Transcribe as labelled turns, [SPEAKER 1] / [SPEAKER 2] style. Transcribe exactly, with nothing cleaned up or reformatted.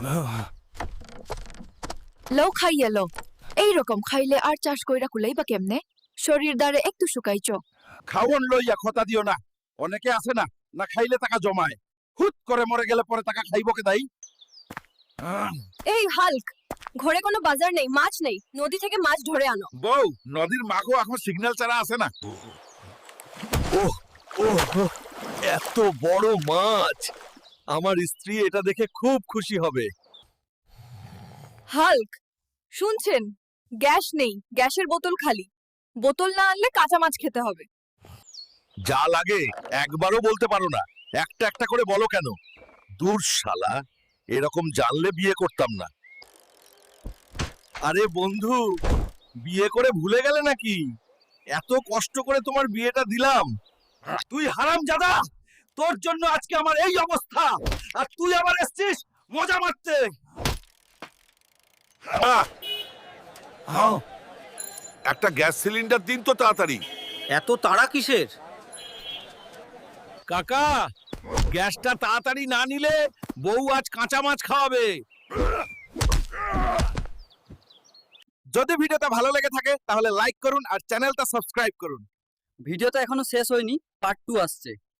[SPEAKER 1] লও খাইয়ে লও এইরকম খাইলে আর চাষ কইরা কুলাইবা কেমনে শরীর দ্বারে একটু শুকাইছ
[SPEAKER 2] খাওন লইয়া খতা দিও না অনেকে আছে না না খাইলে টাকা জমায় হুট করে মরে গেলে পরে টাকা খাইবো কে দাই
[SPEAKER 1] এই হাল্ক ঘরে কোনো বাজার নেই মাছ নেই নদী থেকে মাছ ধরে আনো
[SPEAKER 2] বউ নদীর মাখো এখন সিগন্যাল ছাড়া আছে না ওহ ওহ এত বড় মাছ আমার স্ত্রী এটা দেখে খুব খুশি হবে
[SPEAKER 1] হাল্ক শুনছেন গ্যাস নেই গ্যাসের বোতল খালি বোতল না আনলে কাঁচা মাছ খেতে হবে
[SPEAKER 2] যা লাগে একবারও বলতে পারো না একটা একটা করে বলো কেন দূর শালা এরকম জানলে বিয়ে করতাম না আরে বন্ধু বিয়ে করে ভুলে গেলে নাকি এত কষ্ট করে তোমার বিয়েটা দিলাম তুই হারামজাদা তোর জন্য আজকে আমার এই অবস্থা আর তুই আবার এসেছিস মজা মারতে একটা গ্যাস সিলিন্ডার দিন তো তাড়াতাড়ি
[SPEAKER 3] এত তাড়া কিসের?
[SPEAKER 2] কাকা গ্যাসটা তাড়াতাড়ি না নিলে বউ আজ কাঁচা মাছ খাওয়াবে যদি ভিডিওটা ভালো লেগে থাকে তাহলে লাইক করুন আর চ্যানেলটা সাবস্ক্রাইব করুন
[SPEAKER 3] ভিডিওটা এখনো শেষ হয়নি, পার্ট টু আসছে।